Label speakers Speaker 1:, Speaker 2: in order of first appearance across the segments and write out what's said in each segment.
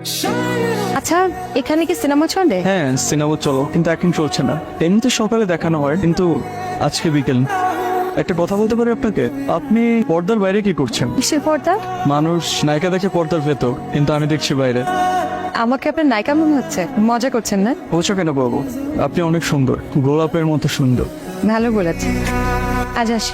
Speaker 1: আচ্ছা, এখানে কি সিনেমা চলে?
Speaker 2: হ্যাঁ, সিনেমা চলো, কিন্তু এখন চলছে না। এমনিতে সকালে দেখানো হয়, কিন্তু আজকে বিকেল। একটা কথা বলতে পারি আপনাকে? আপনি পর্দার বাইরে কি করছেন?
Speaker 1: কিসের পর্দা?
Speaker 2: মানুষ নায়িকা দেখে পর্দার ভেতর, কিন্তু আমি দেখছি বাইরে।
Speaker 1: আমাকে আপনার নায়িকা মনে হচ্ছে, মজা করছেন না?
Speaker 2: বলছো কেন বাবু? আপনি অনেক সুন্দর, গোলাপের মতো সুন্দর।
Speaker 1: ভালো বলেছেন। আজ আসি।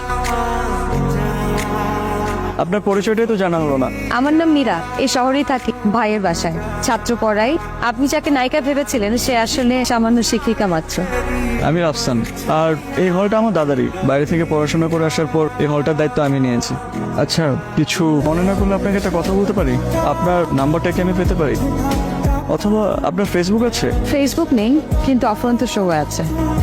Speaker 2: আপনার পরিচয়টাই তো জানা হলো না।
Speaker 1: আমার নাম মীরা, এই শহরেই থাকি, ভাইয়ের বাসায় ছাত্র পড়াই। আপনি যাকে নায়িকা ভেবেছিলেন সে আসলে সামান্য শিক্ষিকা মাত্র।
Speaker 2: আমি আফসান, আর এই হলটা আমার দাদারই। বাইরে থেকে পড়াশোনা করে আসার পর এই হলটার দায়িত্ব আমি নিয়েছি। আচ্ছা, কিছু মনে না করলে আপনাকে একটা কথা বলতে পারি? আপনার নাম্বারটা কি আমি পেতে পারি? অথবা আপনার ফেসবুক আছে?
Speaker 1: ফেসবুক নেই, কিন্তু অফুরন্ত শো আছে।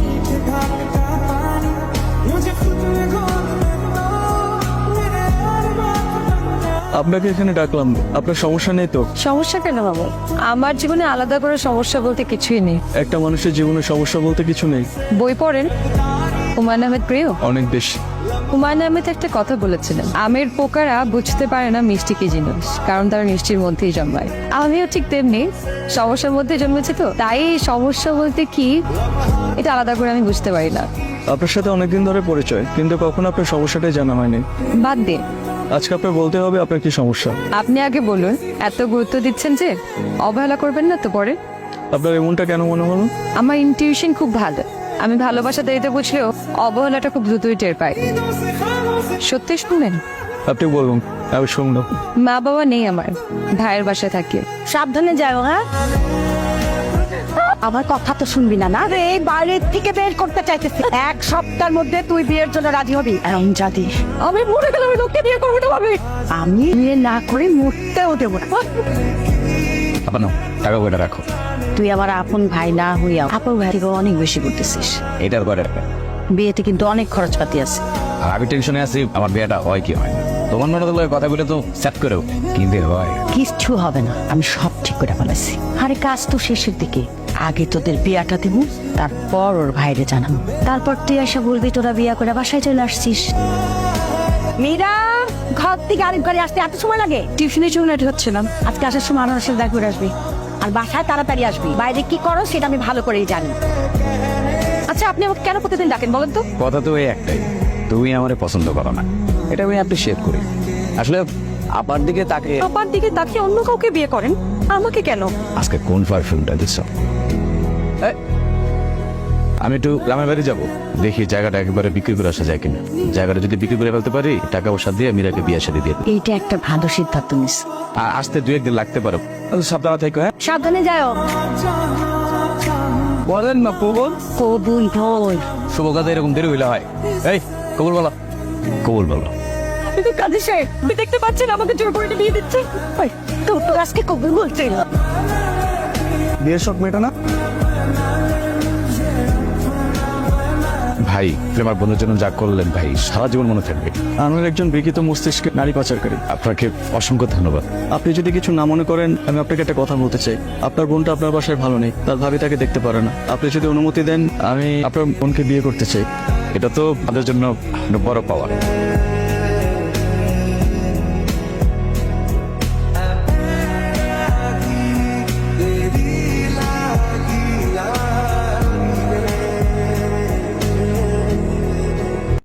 Speaker 2: আপনাকে এখানে ডাকলাম, আপনার সমস্যা নেই তো?
Speaker 1: সমস্যা কেন বাবু? আমার জীবনে আলাদা করে সমস্যা বলতে কিছুই নেই।
Speaker 2: একটা মানুষের জীবনে সমস্যা বলতে কিছু নেই।
Speaker 1: বই পড়েন? হুমায়ুন আহমেদ প্রিয়?
Speaker 2: অনেক বেশি।
Speaker 1: হুমায়ুন আহমেদ একটা কথা বলেছিলেন, আমের পোকারা বুঝতে পারে না মিষ্টি কি জিনিস, কারণ তারা মিষ্টির মধ্যেই জন্মায়। আমিও ঠিক তেমনি সমস্যার মধ্যে জন্মেছি, তো তাই সমস্যা বলতে কি এটা আলাদা করে আমি বুঝতে পারি না।
Speaker 2: আপনার সাথে অনেকদিন ধরে পরিচয়, কিন্তু কখনো আপনার সমস্যাটাই জানা হয়নি।
Speaker 1: বাদ দিন,
Speaker 2: আজকে আপনার বলতে হবে আপনার কি সমস্যা।
Speaker 1: আপনি আগে বলুন। এত গুরুত্ব দিচ্ছেন যে, অবহেলা করবেন না তো পরে।
Speaker 2: আপনার এমনটা কেন মনে হলো?
Speaker 1: আমার ইনটিউশন খুব ভালো। আমি ভালোবাসা দেরিতে বুঝলেও অবহেলাটা খুব দ্রুতই টের পাই। সত্যি শুনবেন?
Speaker 2: আপনি বলুন, আমি শুনলাম।
Speaker 1: মা বাবা নেই আমার, ভাইয়ের বাসায় থাকি।
Speaker 3: সাবধানে যাও। হ্যাঁ, আমার কথা তো শুনবি না? না রে, এই বাইরের থেকে বের করতে চাইতেছি। এক সপ্তাহের মধ্যে তুই বিয়ের জন্য রাজি হবি। এমন জাতি আমি মরে গেলে আমি লোককে বিয়ে করবো না ভাবি। আমি বিয়ে না করে মরতেও দেবো না।
Speaker 4: আপনার টাকা কয়টা রাখো।
Speaker 3: তুই আমার আপন ভাই না হইয়া আপন ভাই থেকে অনেক বেশি করতেছিস।
Speaker 4: এটার কয়টা রাখবেন?
Speaker 3: বিয়েতে কিন্তু অনেক খরচপাতি আছে।
Speaker 4: আর আমি টেনশনে আছি আমার বিয়েটা হয় কি হয় না। তোমার মনে হলো কথাগুলো তো সেট করেও কিন্তু হয়
Speaker 3: কিচ্ছু হবে না, আমি সব ঠিক করে ফেলেছি। আরে কাজ তো শেষের দিকে, আগে তোদের বিয়াটা দিব, তারপর ওর ভাইরে জানাবো। তারপর তুই এসে বলবি তোরা বিয়া করে বাসায় চলে আসছিস। মীরা, ঘর থেকে আরেক ঘরে আসতে এত সময় লাগে? টিউশনের জন্য রেডি হচ্ছিলাম। আজকে আসার সময় আমার সাথে দেখা করে আসবি, আর বাসায় তাড়াতাড়ি আসবি। বাইরে কি করো সেটা আমি ভালো করেই জানি।
Speaker 1: আচ্ছা, আপনি আমাকে কেন প্রতিদিন ডাকেন বলেন তো?
Speaker 4: কথা তো এই একটাই, তুমি আমারে পছন্দ করো না। এটা আমি অ্যাপ্রিশিয়েট করি। আসলে আপার দিকে তাকে
Speaker 1: পাপার দিকে তাকিয়ে অন্য কাউকে বিয়ে করেন, আমাকে কেন?
Speaker 4: আজকে কোন পারফিউমটা দিচ্ছ? আমি একটু গ্রামের বাড়ি যাবো, দেখি জায়গাটা একেবারে বিক্রি করে আসা যায় কিনা। জায়গাটা যদি বিক্রি করে ফেলতে পারি, টাকা পয়সা দিয়ে মীরাকে বিয়ে শাদী দিয়ে দিই।
Speaker 3: এইটা একটা ভালো সিদ্ধান্ত নিস।
Speaker 4: আর আসতে 2-1 দিন লাগতে পারো। সাবধানে থাকো। হ্যাঁ,
Speaker 3: সাবধানে যাও।
Speaker 4: বলেন না কবুল।
Speaker 3: কবুল হই।
Speaker 4: শুভ কাজে এরকম দেরি হইলে হয়। এই কবুল বলো, কবুল বলো।
Speaker 3: কিন্তু কাজী সাহেব, আপনি দেখতে পাচ্ছেন আমাকে জোর করে বিয়ে দিচ্ছে। তো তো আজকে কবুল বলছে।
Speaker 2: বিয়ের শখ মেটা না?
Speaker 4: ভাই, প্রেমার বন্ধুর জন্য যা করলেন ভাই, সারা জীবন মনে থাকবে।
Speaker 2: আমার একজন বিকৃত মস্তিষ্কের নারী পাচারকারী।
Speaker 4: আপনাকে অসংখ্য ধন্যবাদ।
Speaker 2: আপনি যদি কিছু না মনে করেন, আমি আপনাকে একটা কথা বলতে চাই। আপনার বোনটা আপনার বাসায় ভালো নেই, তার ভাবি তাকে দেখতে পারে না। আপনি যদি অনুমতি দেন, আমি আপনার বোনকে বিয়ে করতে চাই।
Speaker 4: এটা তো আমাদের জন্য বড় পাওয়া।